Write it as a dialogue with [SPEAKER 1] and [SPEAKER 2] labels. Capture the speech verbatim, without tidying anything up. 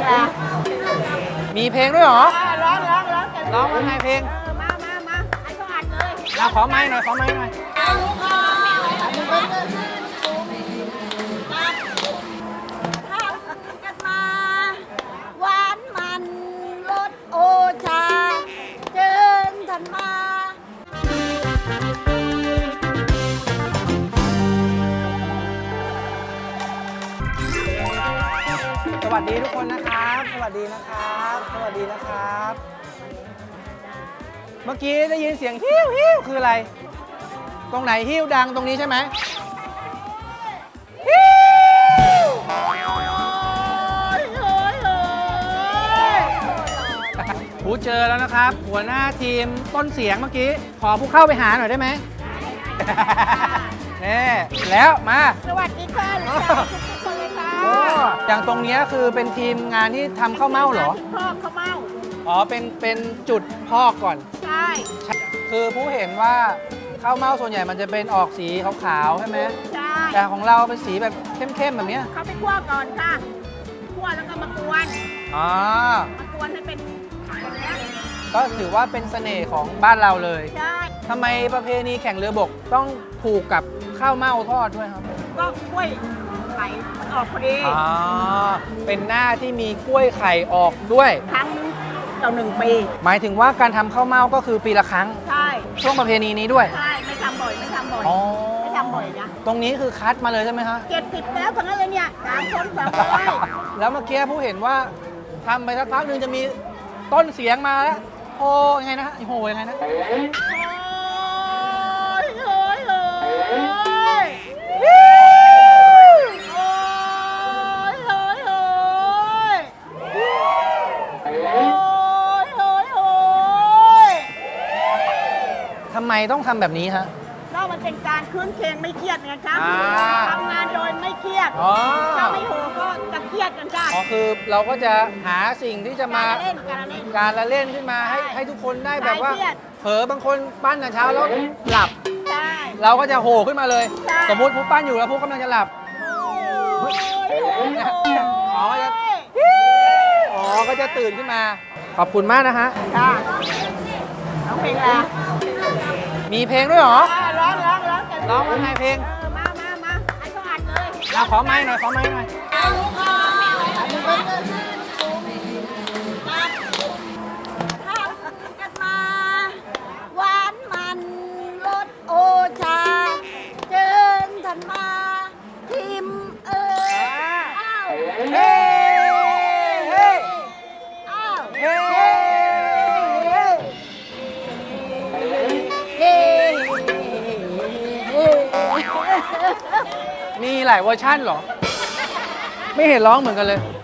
[SPEAKER 1] อะไร
[SPEAKER 2] มีเพลงด้วยเหรอ
[SPEAKER 1] ร้องร้องร้องกัน
[SPEAKER 2] ร้องว่าไงเพลง
[SPEAKER 1] เออมามามาให้เขาอัดเลย
[SPEAKER 2] เอาขอไม้หน่อยขอไม้หน่อย
[SPEAKER 1] กันมาหวานมันรสโอชาเชิญท่านมา
[SPEAKER 2] สวัสดีทุกคนนะครับ สวัสดีนะครับ สวัสดีนะครับ เมื่อกี้ได้ยินเสียงฮิ้วฮิ้วคืออะไร ตรงไหนฮิ้วดังตรงนี้ใช่ไหมฮิ้วผู้เจอแล้วนะครับ หัวหน้าทีมต้นเสียงเมื่อกี้ ขอผู้เข้าไปหาหน่อยได้ไหมนี่แล้วมา
[SPEAKER 1] สวัสดีค่ะรู้จักทุกคนเลยค่ะ
[SPEAKER 2] โอ้อย่างตรงนี้คือเป็นทีมงานที่ทำข้าวเม่าเหรอ
[SPEAKER 1] พ่อข้าวเม่า
[SPEAKER 2] อ๋อ เป็น เป็นจุดพอกก่อน
[SPEAKER 1] ใช่
[SPEAKER 2] คือผู้เห็นว่าข้าวเม่าส่วนใหญ่มันจะเป็นออกสีขาวๆใช่ไหม
[SPEAKER 1] ใช่
[SPEAKER 2] แต่ของเราเป็นสีแบบเข้มๆแบบเนี้ย
[SPEAKER 1] เขาไปคั่วก่อนค่ะคั่วแล้วก็มากวน
[SPEAKER 2] อ๋อ
[SPEAKER 1] มากวนให้เป็นอย่างเงี้ย
[SPEAKER 2] ก็ถือว่าเป็นเสน่ห์ของบ้านเราเลย
[SPEAKER 1] ใช่
[SPEAKER 2] ทำไมประเพณีแข่งเรือบกต้องผูกกับข้าวเม่าทอดด้วยครับ
[SPEAKER 1] ก็กล้วยไข่มันออกพอดี
[SPEAKER 2] อ๋อ เป็นหน้าที่มีกล้วยไข่ออกด้วย
[SPEAKER 1] ครั้งต่อหนึ่งปี
[SPEAKER 2] หมายถึงว่าการทำข้าวเม่าก็คือปีละครั้ง
[SPEAKER 1] ใช่
[SPEAKER 2] ช่วงประเพณีนี้ด้วย
[SPEAKER 1] ใช่ไม่ทำบ่อยไม่ทำบ่อย
[SPEAKER 2] อ๋อ
[SPEAKER 1] ไม่ทำบ่อยนะ
[SPEAKER 2] ตรงนี้คือคัดมาเลยใช่ไหมฮะ
[SPEAKER 1] เจ็ดสิบแล้วทั้งนั้นเลยเนี่ยสามคนสามร้อย
[SPEAKER 2] แล้วเมื่อกี้ผู้เห็นว่าทำไปสักพักหนึ่งจะมีต้นเสียงมาแล้วโอ้ยังไงนะโอ้ยังไงนะ
[SPEAKER 1] โอ้ยโอ้ยโอ้ยโอ้ยโอ้ยโอ้ยโอ้ยโอ้ยโอ้ยโอ้ย
[SPEAKER 2] ทำไมต้องทำแบบนี้ฮะ
[SPEAKER 1] ก็มันเป็นการคืนเคงไม่เครียดไงครับ
[SPEAKER 2] อ่า
[SPEAKER 1] ทำงานโดยไม่เครียด
[SPEAKER 2] อ๋อ
[SPEAKER 1] ถ้าไม่โหก็จะเครียดกันจ้า
[SPEAKER 2] อ๋อคือเราก็จะหาสิ่งที่จะมา
[SPEAKER 1] การเล่นการเล่น
[SPEAKER 2] การละเล่นขึ้นมาให้
[SPEAKER 1] ใช่
[SPEAKER 2] ให้ทุกคนได้แบบว่า
[SPEAKER 1] คลายเครียด
[SPEAKER 2] เผลอบางคนปั้นแต่เช้าแล้วหลับ
[SPEAKER 1] ใช่
[SPEAKER 2] เราก็จะโหขึ้นมาเลย
[SPEAKER 1] ใช่
[SPEAKER 2] สมมุติผู้ปั้นอยู่แล้วผู้กำลังจะหลับ
[SPEAKER 1] โอ้ยโอ้ยโอ้ย
[SPEAKER 2] อ๋อจะ อ๋อก็จะตื่นขึ้นมา ขอบคุณมากนะฮะ
[SPEAKER 1] จ้าร้องเพลงอะไร
[SPEAKER 2] มีเพลงด้วยเหรอ
[SPEAKER 1] อ่าร้องร้องร้องกัน
[SPEAKER 2] ร้องว่าไงเพลง
[SPEAKER 1] เออมามามาให้เขาอัดเลย
[SPEAKER 2] เราขอไม้หน่อยขอไม้หน่อย
[SPEAKER 1] กันมาหวานมันรสโอชาเชิญท่านมาทิมเอ้ยอ้าว
[SPEAKER 2] เฮ้เฮ้
[SPEAKER 1] อ้าว
[SPEAKER 2] เฮ้
[SPEAKER 1] เฮ้เฮ้
[SPEAKER 2] มีหลายเวอร์ชั่นเหรอ ไม่เห็นร้องเหมือนกันเลย